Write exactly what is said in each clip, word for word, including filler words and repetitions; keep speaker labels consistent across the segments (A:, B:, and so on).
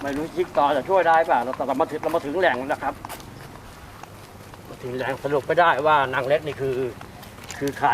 A: ไม่รู้จิ๊กต่อจะช่วยได้ป่ะเราเรามาถึงเรามาถึงแหล่งแล้วครับมาถึงแหล่งสรุปไม่ได้ว่านางเล็กนี่คือคือใคร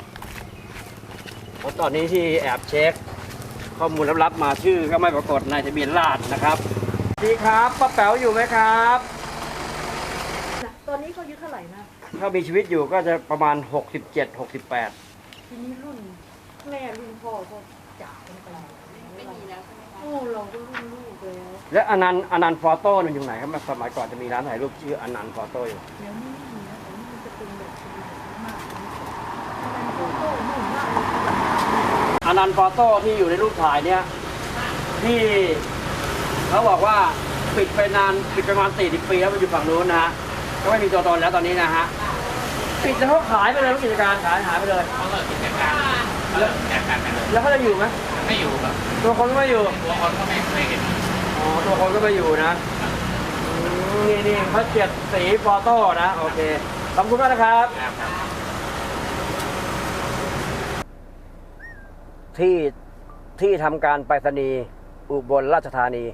A: เพราะตอนนี้ที่แอบเช็คข้อมูลลับๆมาชื่อก็ไม่ปรากฏในทะเบียนราษฎร์นะครับพี่ครับป้าแป๋วอยู่ไหมครับ
B: ตอนนี้เขาอายุเท่าไหร่นะ
A: ถ้ามีชีวิตอยู่ก็จะประมาณหกสิบเจ็ด หกสิบแปด
B: ทีนี้รุ่นแม่รุ่นพ่อก็จากกันไปไม่มีแล้วใช่ไหมคะโอ้เราก็รุ่นลูกแล้ว
A: และอนันต์อนันต์ฟอโต้มันอยู่ไหนครับสมัยก่อนจะมีร้านถ่ายรูปชื่ออนันต์ฟอโต้อยู่
B: เดี๋ยวนี้ไม่มีแล้วแต่นี่มันจะเป็นแบบมากอนันต์ฟอโต้นุ่มมาก
A: อนันต์ฟอโต้ที่อยู่ในรูปถ่ายเนี่ยที่เขาบอกว่าปิดไปนานปิดประมาณสี่สิบปีแล้วมันอยู่ฝั่งนู้นนะฮะก็ไม่มีตัวตนแล้วตอนนี้นะฮะปิดแล้วเขาขายไปเลยกิจการขายหายไปเลย
C: เขาเลิกกิจการเลิกกิจการไปเลย
A: แล้วเขาจะอยู่ไหม
C: ไม่อยู่ครับ
A: ตัวคนก็ไม่อยู่
C: ตัวคนก็ไม่ไม่เห็น
A: อ๋อตัวคนก็ไม่อยู่นะนี่นี่เขาเจ็ดสีฟอโต้นะโอเคขอบคุณมากนะครับที่ที่ทำการไปรษณีย์อุบลราชธานี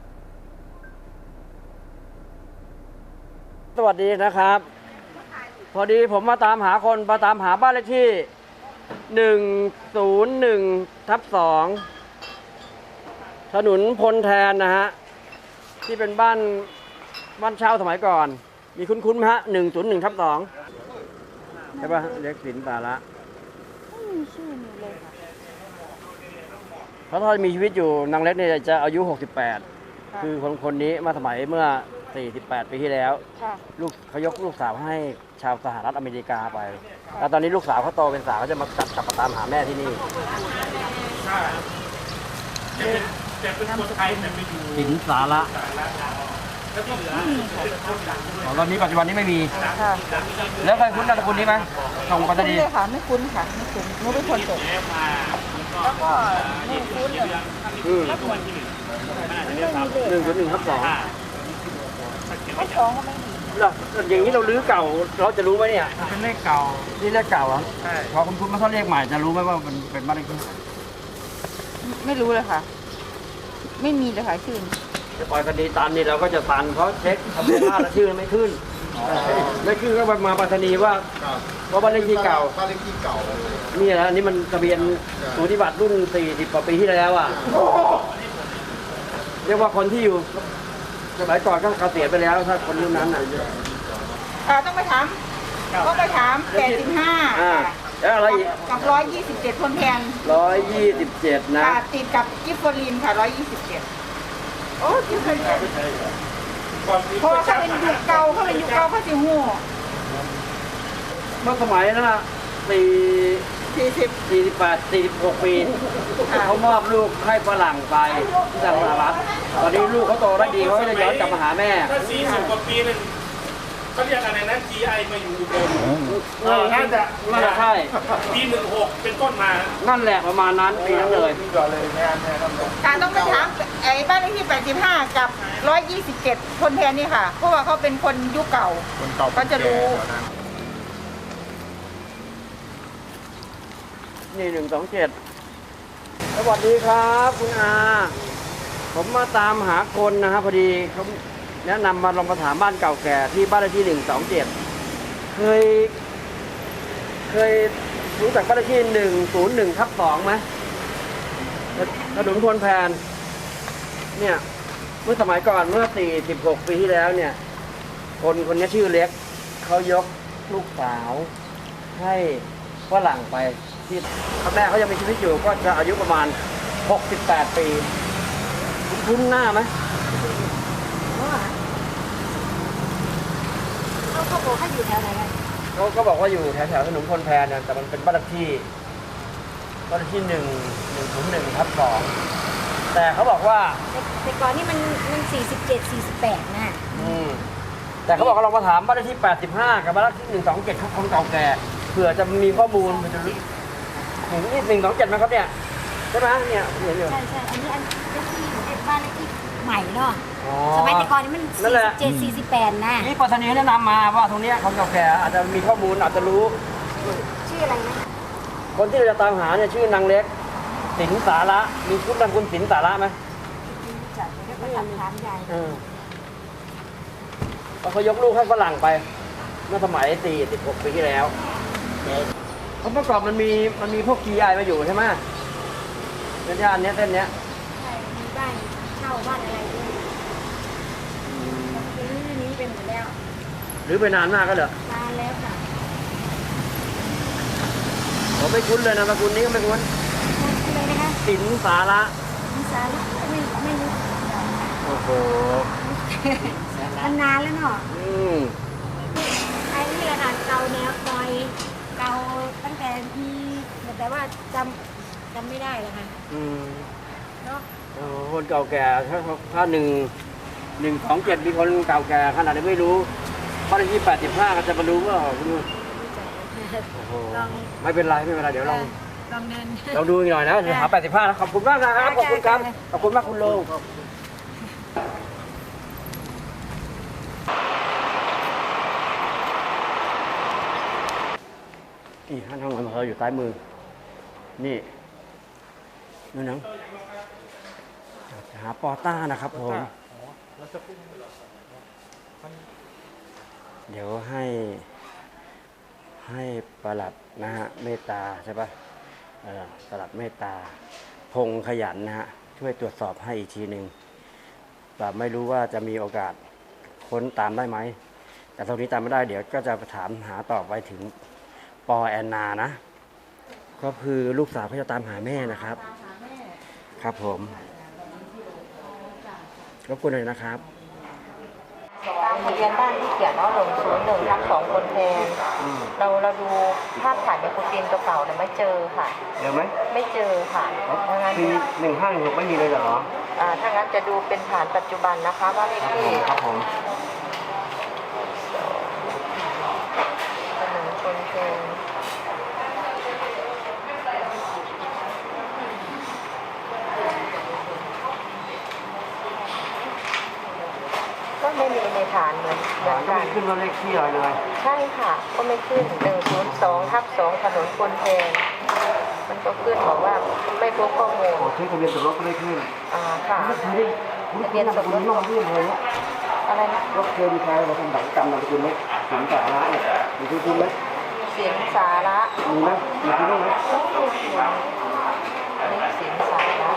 A: สวัสดีนะครับพอดีผมมาตามหาคนมาตามหาบ้านเลขที่หนึ่งศูนย์หนึ่งทับสองถนนพลแทนนะฮะที่เป็นบ้านบ้านเช่าสมัยก่อนมีคุ้นๆไหมฮะหนึ่งศูนย์หนึ่งทับสองใช่ป่ะเล็กสินตาละ
B: ไม่มีชื่อมีเลยค่ะ
A: เพราะถ้ามีชีวิตอยู่นางเล็กเนี่ยจะอายุหกสิบแปดคือคนคนนี้มาสมัยเมื่อสี่สิบแปดปีที่แล้วลูกเขายกลูกสาวให้ชาวสหรัฐอเมริกาไปแล้วตอนนี้ลูกสาวเขาโตเป็นสาวเขาจะมากลับกลับมาตามหาแม่ที่นี่
C: จะเป็นคนไทยแต่ไปอยู่
A: สินสาระตอนนี้ปัจจุบันนี้ไม่มีแล้วเคยคุ้นนามสกุลนี้ไหมส่งปัตตานี
B: เลยค่ะไม่คุ้นค่ะไม่คุ้นไม่เป็นคนจบแล้วก็ไม่คุ้นเลย
A: หนึ่งจุดหนึ่งทับสอง
B: ทับสองก็ไม่มี
A: เราอย่างนี้เราลื้อเก่าเราจะรู้ไหมเนี่ย
C: เป็นเลขเก่า
A: นี่เลขเก่าเหรอ
C: ใช่
A: พอคุณคุณมาเขาเลขใหม่จะรู้ไหมว่ามันเป็นบ้านเลขที่
B: ไม่รู้เลยค่ะไม่มีเลยค่ะชื่อ
A: จะปล่อยคดีตันนี่เราก็จะตันเพราะเช็คทะเบียนราษฎร์ชื่อไม่ขึ้นไม่ขึ้นก็มาปัตตานีว่าเพราะบ้านเลขที่เก่า
D: บ้านเลขที่เก่า
A: นี่นะนี่มันทะเบียนสูติบัตรรุ่นสี่สิบกว่าปีที่แล้วอ่ะเรียกว่าคนที่อยู่สมัยก่อนก็เกษียณไปแล้วถ้าคนรุ่นนั้นน่ะ
B: อ่าต้องไปถามต้องไปถามแปดสิบห้า
A: แล้วอะไรอีก
B: กับร้อยยี่สิบเจ็ดคนแทน
A: ร้อยยี่สิบเจ็ดนะ
B: ติดกับกิฟฟอรีนค่ะร้อยยี่สิบเจ็ดโอ้กิฟฟอรีนเพราะเขาเป็นยุคเก่าเขาเป็นยุคเก่าเขาสิหู
A: เมื่อสมัยนั้นน่ะสี่
B: สี่สิบ
A: สี่สิบแปดสี่สิบหกปีเขามอบลูกให้ฝรั่งไปที่สหรัฐตอนนี้ลูกเขาโตได้ดีเขาจะย้อนกลับมาหาแม่
C: ถ้าสี่สิบกว่าปีนึงเขาเรียกอะไรนะ จี ไอ มาอยู่อุบล
A: น่าจะน่าจะใช่
C: ปีหนึ่งหกเป็นต้นมา
A: นั่นแหละประมาณนั้นปีนั้นเลย
B: การต้องไปถามไอ้บ้านเลขที่แปดสิบห้ากับร้อยยี่สิบเจ็ดคนแทนนี่ค่ะเพราะว่าเขาเป็นคนยุคเก่าเขาจะรู้
A: นี่หนึ่งสองเจ็ดสวัสดีครับคุณอาผมมาตามหาคนนะครับพอดีเขาแนะนำมาลองมาถามบ้านเก่าแก่ที่บ้านเลขที่หนึ่งสองเจ็ดเคยเคยรู้จักบ้านเลขที่หนึ่งศูนย์หนึ่งทับสองไหมถนนพลแพนเนี่ยเมื่อสมัยก่อนเมื่อสี่สิบหกปีที่แล้วเนี่ยคนคนนี้ชื่อเล็กเขายกลูกสาวให้ฝรั่งไปที่แม่เขายังมีชีวิตอยู่ก็จะอายุประมาณหกสิบแปดปีคุ้นหน้าไหม
B: เขาเขาบอกเขาอยู่แถวไหน
A: เขาก็บอกว่าอยู่แถวแถวถนนพลแพนเนี่ยแต่มันเป็นบ้านเลขที่บ้านเลขที่หนึ่งหนึ่งศูนย์หนึ่งทับสองแต่เขาบอกว่า
B: แต่ก่อนนี่มันมันสี่สิบเจ็ดสี่สิบแปดนะ
A: อืมแต่เขาบอกว่าเรามาถามบ้านเลขที่แปดสิบห้ากับบ้านเลขที่หนึ่งสองเจ็ดคนเก่าแก่เผื่อจะมีข้อมูลมันจะรู้ถึงนี่หนึ่งสองเจ็ดไหมครับเนี่ยใช่ไหมเนี่ยเห็นอยู่
B: ใช่ใช่อันนี้อันเลขที่บ้านเลขที่ใหม่เนาะสมัยแต่ก่อนนี่มันสี่สิบเจ็ดสี่สิบแปดนะ
A: นี่ปัตตานีแนะนำมาว่าตรงนี้คนเก่าแก่อาจจะมีข้อมูลอาจจะรู้
B: ชื่ออะไรนะ
A: คนที่เราจะตามหาเนี่ยชื่อนางเล็กสินสาระมีคุณนามคุณสินสาระไหม
D: ก็ทำถามยาย
A: เออเพราะเขายกลูกให้ฝรั่งไป เมื่อสมัยสี่สิบหกปีที่แล้วเพราะเมื่อก่อนมันมีมันมีพวก จี ไอ มาอยู่ใช่ไหมในย่านเนี้ยเส้นเนี้ย
D: ใช่มีบ้านเช่าบ้านอะไรด้วยรื้อนี้เป็นหมดแล้ว
A: หรือไปนานมากก็เหรอน
D: านแล้วค่ะ
A: ผมไม่คุ้นเลยนะมาคุณนี้ก็ไม่คุ้น
D: เลยนะคะ
A: สินสาระ
D: มีสาระไม่ไม่รู้
A: โอ้โห
D: มันนานแล้วเนาะ
A: อืม
D: ไอ้นี่แหละค่ะเก่าแนวซอยเก่าตั้งแต่มีแต่ว่าจำจำไม่ได้เลยค่ะ
A: อืม
D: เนาะ
A: โอ้โหคนเก่าแก่ถ้าถ้าหนึ่งหนึ่งสองเจ็ดมีคนเก่าแก่ขนาดนี้ไม่รู้บ้านเลขที่แปดสิบห้าก็จะมารู้ว่าคุณดูโอ้โห
D: ลอง
A: ไม่เป็นไรไม่เป็นไรเดี๋ยวลอง
D: ลองเดิน
A: ลองดูอีกหน่อยนะเดี๋ยวหาแปดสิบห้านะขอบคุณมากนะครับขอบคุณครับขอบคุณมากคุณลุงนี่ห้างทางอำเภออยู่ซ้ายมือนี่นู่นนังหาปอต้านะครับผมเดี๋ยวให้ให้ประหลัดนะฮะเมตตาใช่ปะเออประหลัดเมตตาพงขยันนะฮะช่วยตรวจสอบให้อีกทีหนึ่งแบบไม่รู้ว่าจะมีโอกาสค้นตามได้ไหมแต่ตรงนี้ตามไม่ได้เดี๋ยวก็จะถามหาต่อไปถึงปอแอนนานะก็คือลูกสาวเขาจะตามหาแม่นะครับครับผมรบกวนหน่อยนะครับ
E: ตามทะเบียนบ้านที่เขียนว่าหนึ่งศูนย์หนึ่งทับสองคนแทนเราเราดูภาพถ่ายในคูตินตัวเก่าเนี่ยไม่เจอค่ะ
A: เดี๋ยวไหม
E: ไม่เจอค่ะถ้างั้น
A: ปีหนึ่งห้าหนึ่งหกไม่มีเลยเหรอ
E: อ่าถ้างั้นจะดูเป็นฐานปัจจุบันนะคะว่าเลขที่
A: ครับผม
E: หนึ่งคนแทนก็ไม่มีในฐานเหมือนเหมือน
A: ก็
E: กั
A: ไม่
E: น
A: ขึ้นว่าเลขที่อะไรเลย
E: ใช่ค่ะ ก็ไม่ขึ้นหนึ่งศูนย์สองทับสองถนนคนแทนมันก็ขึ้นบอกว่าไม่พบข้อมูล
A: โอ้เช็คทะเบียนสมรสก็ไม่ขึ้น
E: อ่าค่ะ
A: ไม่เคยได้คุณเรียนสมรสนอกเรื่องเลยเนี่ย
E: อะไรนะ
A: รถเคยมีใครมาทำบัตรกรรมนามสกุลไหมถึงสาระเนี่ยมีคุณคุณไหม
E: เสียงสาระ
A: มีไหมมีคุณบ้างไหม
E: นี่เสียงสาระ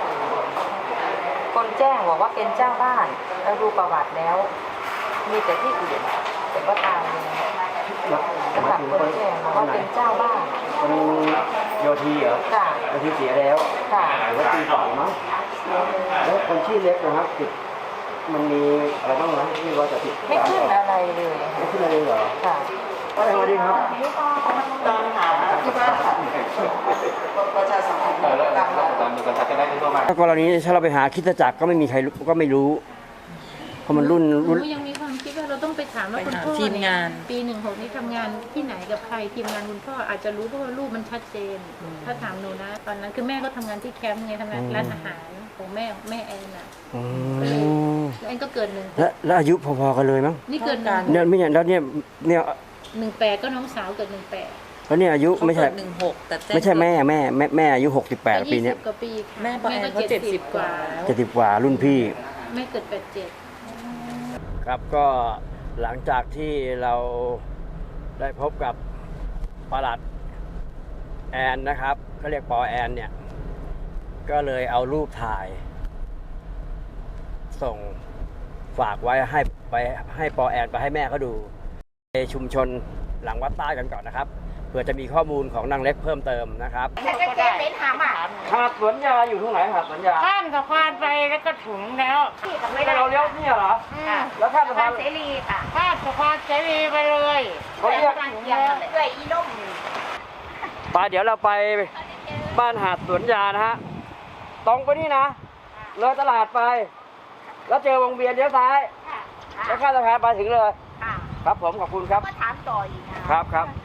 E: คนแจ้งบอกว่าเป็นเจ้าบ้านเราดูประวัติแล้ว มีแต่ที่อื่นแต่ก็ตามเลยสำหรับคนแจ้งบอกว่าเป็นเจ้าบ้าน
A: คนโยธีเหรอ
E: ค่ะ
A: โยธีเสียแล้ว
E: ค่ะ
A: หรือว่าปีสองมั้ง
E: เสียเลย
A: แล้วคนชื่อเล็กนะครับติดมันมีอะไรบ้างไหมที่ว่าจะติด
E: ไม่ขึ้นอะไรเลย
A: ไม่ขึ้นอะไรเลยเหรอ
E: ค่ะ
A: สวัสดีครับ
E: ตามหาที่บ้านค่ะประชาสัมพันธ์ตามหา
A: ถ้ากรณีถ้าเราไปหาคริสตจักรก็ไม่มีใครรู้ก็ไม่รู้เพราะมันรุ่น
F: หนู
A: รุ่น
F: ยังมีความคิดว่าเราต้องไปถามว่า
G: ไป
F: คุณ
G: ถาม
F: พ่อ
G: ทีมงาน
F: เยปีหนึ่งหกนี้ทำงานที่ไหนกับใครทีมงานคุณพ่ออาจจะรู้เพราะว่ารูปมันชัดเจน ถ้าถามหนูนะ ตอนนั้นคือแม่ก็ทำงานที่แคมป์ไงทำงานร้านอาหารของแม่แม่แอนน่ะ
A: อ๋อ
F: แล้วแอนก็เกิดหนึ่ง
A: และแล้วอายุพอๆกันเลยมั้ง
F: นี่เกิดหนึ่ง
A: เนี่ยไม่เนี่ยแล้วเนี่ยเนี่ย
F: หนึ่งแปดก็น้องสาวเกิดหนึ่งแปด
A: แล้วเนี่ยอายุ
G: เขา
A: ไม่ใช่
G: เกิดหนึ่งหกแต่แจ้ง
A: ไม่ใช่แม่แม่แม่แม่อายุหกสิบแปดปีเนี้ย
F: กว่าปีค่ะ
G: แม่ปอแอนเขาเจ็ดสิบกว่าแล้ว
A: เจ็ดสิบกว่ารุ่นพี่
F: แม่เกิดแปดเจ็ด
A: ครับก็หลังจากที่เราได้พบกับประหลัดแอนนะครับเขาเรียกปอแอนเนี่ยก็เลยเอารูปถ่าย ส่งฝากไว้ให้ไปให้ปอแอนไปให้แม่เขาดูในชุมชนหลังวัดใต้กันก่อนนะครับเพื่อจะมีข้อมูลของนางเล็กเพิ่มเติมนะครับ
B: แต่ก็เจ๊เป็นหาหมา
A: หาดสวนยาอยู่ตรงไหนหาดสวนยา
B: ข้ามสะพานไปแล้วก็ถึงแล้วที่กับไม่ได้
A: เราเลี้ยวเนี่ยเหรอ
B: ค่ะ
A: แล้วข้ามสะพาน
B: เสรีค่ะข้ามสะพานเสรีไปเลย
A: เขาเรียก
B: ด้วยอีล่ม
A: ไปเดี๋ยวเราไปบ้านหาดสวนยานะฮะตรงไปนี่นะเลยตลาดไป แล้วเจอวงเวียนเลี้ยวซ้าย แล้วข้ามสะพานไปถึงเลย
B: ค่ะ
A: ครับผมขอบคุณครับ
B: ก็ถามต่ออีกนะครับ
A: ครับ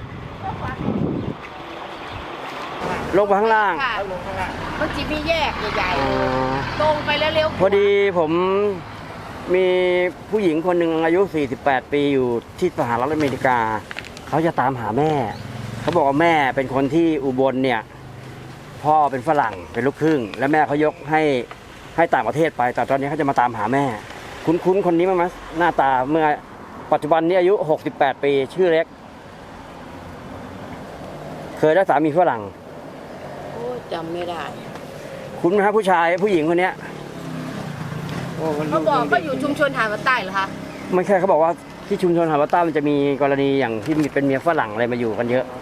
A: ลงไปข้างล่าง
B: ค่ะมันจะมีแยกใหญ่ๆตรงไปแล้วเร็ว
A: พอดีผมมีผู้หญิงคนหนึ่งอายุ สี่สิบแปด ปีอยู่ที่สหรัฐอเมริกา เขาจะตามหาแม่ เขาบอกว่าแม่เป็นคนที่อุบลเนี่ย พ่อเป็นฝรั่งเป็นลูกครึ่ง และแม่เขายกให้ให้ต่างประเทศไป แต่ตอนนี้เขาจะมาตามหาแม่ คุ้นๆคนนี้มั้ยมั้ยหน้าตาเมื่อปัจจุบันนี้อายุหกสิบแปดปีชื่อเล็ก เคยได้สามีฝรั่ง
G: โอ้จำไม่ได้
A: คุ้นไหมครับผู้ชายผู้หญิงคนเนี้ย
G: เขาบอกเขาอยู่ชุมชนหาดวัดใต้เหรอคะ
A: ไม่ใช่เขาบอกว่าที่ชุมชนหาดวัดใต้มันจะมีกรณีอย่างที่มีเป็นเมียฝรั่งอะไรมาอยู่กันเยอะ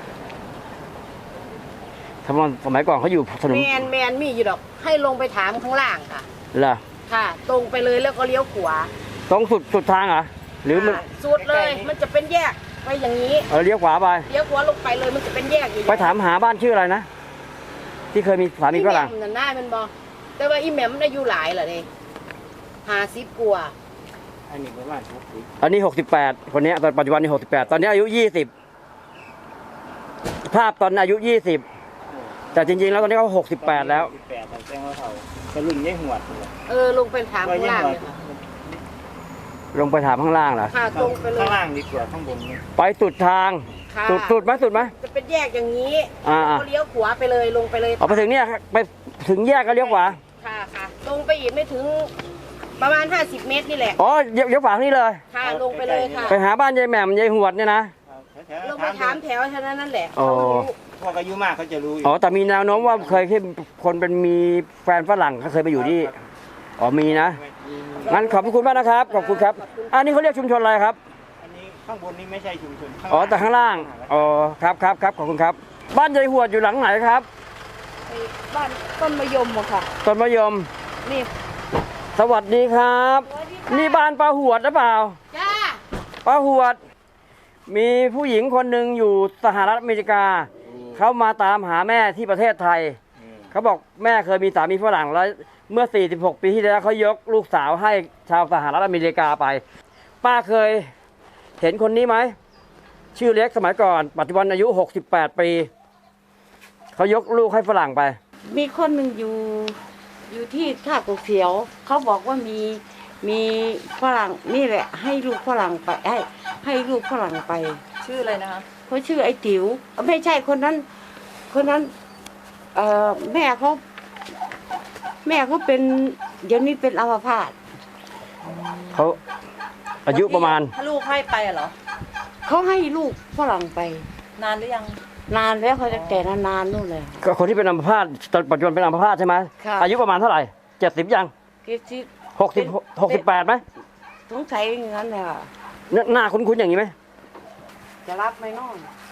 A: ทำไมสมัยก่อนเขาอยู่ถนน
G: แมนแมนมีอยู่ดอก ให้ลงไปถามข้างล่างค่ะ
A: เหรอ
G: ค่ะ ตรงไปเลยแล้วก็เลี้ยวขวา
A: ตรงสุดสุดทางเหรอหรือมัน
G: ค่ะสุดเลย มันจะเป็นแยกไปอย่างนี้
A: เออเลี้ยวขวาไป
G: เลี้ยวขวาลงไปเลยมันจะเป็นแยกอย่าง
A: ไปถามหาบ้านชื่ออะไรนะที่เคยมีสามี
G: อี
A: ฝ
G: แหม่
A: รั่ง
G: มนั่นหน้ามันบอแต่ว่าอีแหม่มมันอายุหลายเหรอเนี่ยหาซิบกว่า
A: อันนี้หกสิบแปดคนนี้ตอนปัจจุบันนี้หกสิบแปดตอนนี้อายุยี่สิบภาพตอนอายุยี่สิบแต่จริงๆแล้วตอนนี้เขาหกสิบแปดแล้ว
C: แปดแต่แจ้งว่าเขาจะรุ่นยี่หัวด
G: เออลงไปถามข้างล่างเลยค่ะ
A: ลงไปถามข้างล่างเหรอ
G: ค่ะตรงไปเลย
C: ข้างล่างดีกว่าข้างบนนี่
A: ไปสุดทาง
G: ค่ะ
A: สุดสุดไหมสุดไหม
G: จะเป็นแยกอย่างนี้
A: อ่า
G: แล้วก็เลี้ยวขวาไปเลยลงไปเลย
A: เอาไปถึงเนี่ยไปถึงแยกก็เลี้ยวขวา
G: ค่ะค่ะลงไปอีกไม่ถึงประมาณห้าสิบเมตรนี่แหละ
A: อ๋อเลี้ยวเลี้ยวขวานี่เลย
G: ค่ะลงไปเลยค่ะ
A: ไปหาบ้านยายแหม่มยายหวดเนี่ยนะ
G: ลงไปถามแถวเท่านั้นนั่นแหละ
A: อ๋อ
G: เขารู้
C: พวกอายุมากเขาจะรู้อยู่
A: อ๋อแต่มีแนวโน้มว่าเคยที่คนเป็นมีแฟนฝรั่งเขาเคยไปอยู่ที่อ๋อมีนะงั้นขอบคุณมากนะครับขอบคุณครับอันนี้เขาเรียกชุมชนอะไรครับ
C: อันนี้ข้างบนนี่ไม่ใช่ชุมชน
A: อ๋อแต่ข้างล่างอ๋อครับครับครับขอบคุณครับ บ้านยายหวดอยู่หลังไหนครับ
G: บ้านต้นมะยมอะค่ะ
A: ต้นมะยม
G: นี่
A: สวัสดีครับ นี่บ้านป้าหวดหรือเปล่า
G: จ้า
A: ป้าหวด มีผู้หญิงคนหนึ่งอยู่สหรัฐอเมริกา เขามาตามหาแม่ที่ประเทศไทย เขาบอกแม่เคยมีสามีฝรั่งแล้วเมื่อ สี่สิบหก ปีที่แล้วเขายกลูกสาวให้ชาวสหรัฐอเมริกาไป ป้าเคยเห็นคนนี้ไหม ชื่อเล็กสมัยก่อน ปัจจุบันอายุ หกสิบแปด ปี เขายกลูกให้ฝรั่งไป
H: มีคนหนึ่งอยู่อยู่ที่ท่ากกเขียว เขาบอกว่ามีมีฝรั่งนี่แหละ ให้ลูกฝรั่งไปให้ให้ลูกฝรั่งไป
G: ชื่ออะไรนะคะ
H: เขาชื่อไอ้ติ๋วไม่ใช่คนนั้น คนนั้น เอ่อแม่เขาแม่เขาเป็นเดี๋ยวนี้เป็นอัมพาต
A: เขาอายุประมาณ
G: ถ้าลูกให้ไปอะเหรอ
H: เขาให้ลูกฝรั่งไป
G: นานหรือยัง
H: นานแล้วเขาจะแต่นานๆนู่นเลย
A: ก็คนที่เป็นอัมพาตตอนปัจจุบันเป็นอัมพาตใช่ไหม
H: ค่ะ
A: อายุประมาณเท่าไหร่เจ็ดสิบยัง
H: เกจิ
A: หกสิบหกสิบแปดไหม
H: สงสัยอย่างนั้นเลยค่ะ
A: หน้าหน้าคุ้นๆอย่างนี้ไหม
H: จะรับไหมน้อง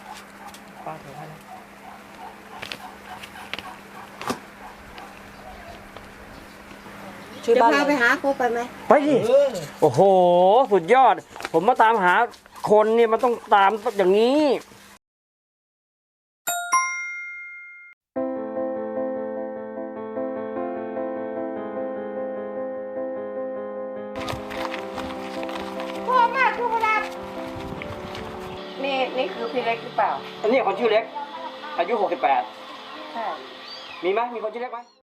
H: จะพาไปหาเขาไปไหม
A: ไปดิโอ้โห สุดยอด ผมมาตามหาคนเนี่ยมันต้องตามอย่างนี้
H: พ่อมากทุกคนนี่นี่คือพี่เล็กหรือเปล่า
A: อันนี้คนชื่อเล็ก อายุหกสิบแปด
H: ใช่
A: มีไหมมีคนชื่อเล็กไหม